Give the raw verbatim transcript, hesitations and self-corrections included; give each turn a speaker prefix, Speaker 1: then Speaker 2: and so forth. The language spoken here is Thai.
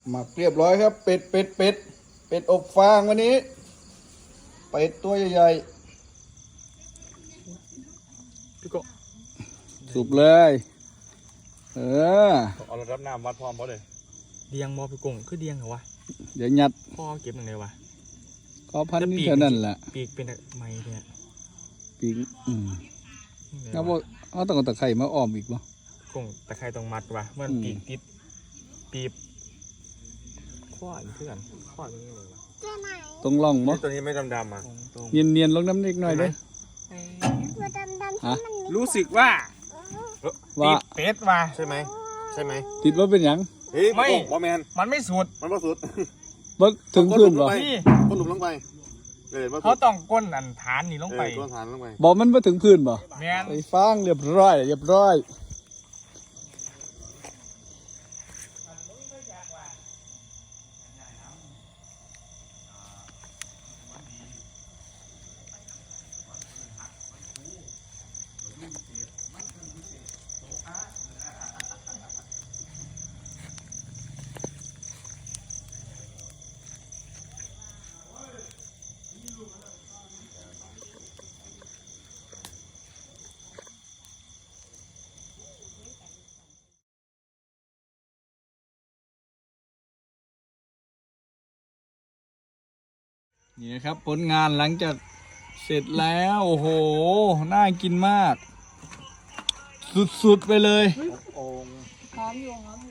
Speaker 1: หมักเรียบร้อยครับเป็ดเป็ดเป็ดเป็ดอบฟางวันนี้เป็ดตัวใหญ่ๆพี่ก็สุบเลยเออ
Speaker 2: เอาระดับน้ำวัดพร้อมเขาเลยเดียงมอพี่กงคือเดียงเหรอวะ
Speaker 1: เดี๋ยวยัด
Speaker 2: พ่อเก็บยังไงวะ
Speaker 1: ก็พันนี่เท่านั้นแหละ
Speaker 2: ปีกเป็นไม้เนี่ย
Speaker 1: ปีกอืมแล้วว่าเอาต้องเอาตะไคร่มาอ้อมอีกป่ะ
Speaker 2: กงตะไคร่ต้องมัดวะมันปีกติดปีบข้อนี่คือกันข้อนี้เลยวะ
Speaker 1: ตรงร่องมั้ง
Speaker 2: ตัวนี้ไม่ดำดำอ่ะ
Speaker 1: เนียนเนียนลงน้ำนิดหน่อยเลย
Speaker 2: รู้สึกว่า
Speaker 1: ว่า
Speaker 2: เป็ดว่ะ
Speaker 3: ใช่ไหมใช่ไหม
Speaker 1: ติดว่าเป็นยัง
Speaker 3: ไม่บอแมน
Speaker 2: มันไม่สุด
Speaker 3: มันไม่สุด
Speaker 1: ว่าถึงพื้นป่ะ
Speaker 3: ก้นหลุมลงไป
Speaker 2: เขาต้องก้นอันฐานนี่ลงไป
Speaker 3: ก้นฐานลงไป
Speaker 1: บอกมันว่าถึงพื้นป่ะ
Speaker 2: แมน
Speaker 1: ไปฟังเรียบร้อยเรียบร้อยนี่นะครับผลงานหลังจากเสร็จแล้วโอ้โหน่ากินมากสุดๆไปเลย
Speaker 3: โอ่ง
Speaker 4: หอมอยู่หอมอยู่